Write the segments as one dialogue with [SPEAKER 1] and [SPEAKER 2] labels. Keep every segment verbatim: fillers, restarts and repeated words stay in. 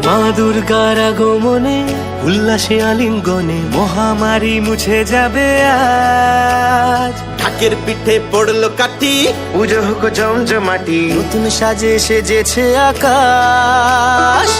[SPEAKER 1] মা দুর্গার আগমনে উল্লাসে আলিঙ্গনে মহামারী মুছে যাবে আজ।
[SPEAKER 2] ঢাকের পিঠে পড়লো কাঠি,
[SPEAKER 1] পুজো হোক জমজমাটি, নতুন সাজে সেজেছে আকাশ।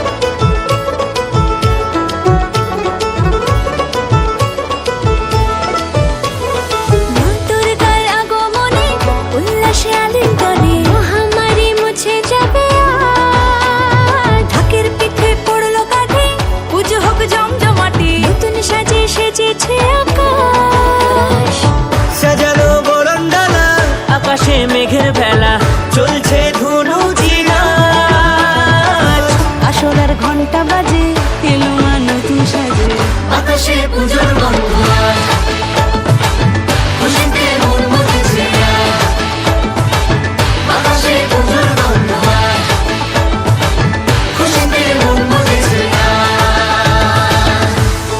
[SPEAKER 3] মা দুর্গার আগমনে উল্লাসে আলিঙ্গনে মহামারী মুছে যাবে আজ। ঢাকের পিঠে পড়লো কাঠি, পুজো হোক জমজমাটি, নতুন সাজে সেজেছে আকাশ।
[SPEAKER 1] সাজানো বরণডালা, আকাশে মেঘের ভেলা, চলছে ধুনু জিনাজ।
[SPEAKER 3] আসরের ঘন্টা বাজে, এলো মা নতুন সাজে,
[SPEAKER 4] আকাশে পুজোর গন্ধ আজ, খুশিতে মন মতেছে আজ। আকাশে পুজোর গন্ধ আজ, খুশিতে মন মতেছে আজ।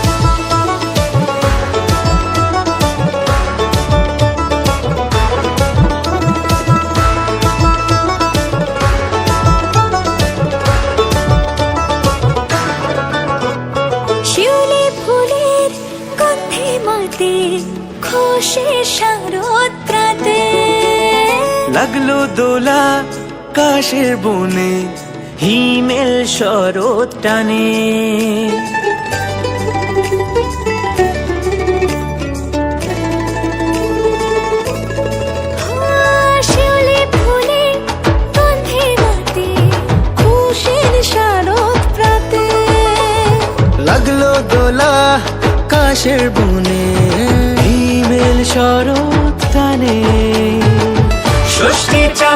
[SPEAKER 3] শিউলি ফুলের গন্ধে মাতে, খুশির শারদ প্রাতে।
[SPEAKER 1] লাগলো দোলা কাশের বনে, হিমেল শরৎ টানে।
[SPEAKER 3] শিউলি ফুলের গন্ধে মাতে, খুশির শারদ প্রাতে।
[SPEAKER 1] লাগলো দোলা কাশের বনে, হিমেল শরৎ টানে। ষষ্ঠী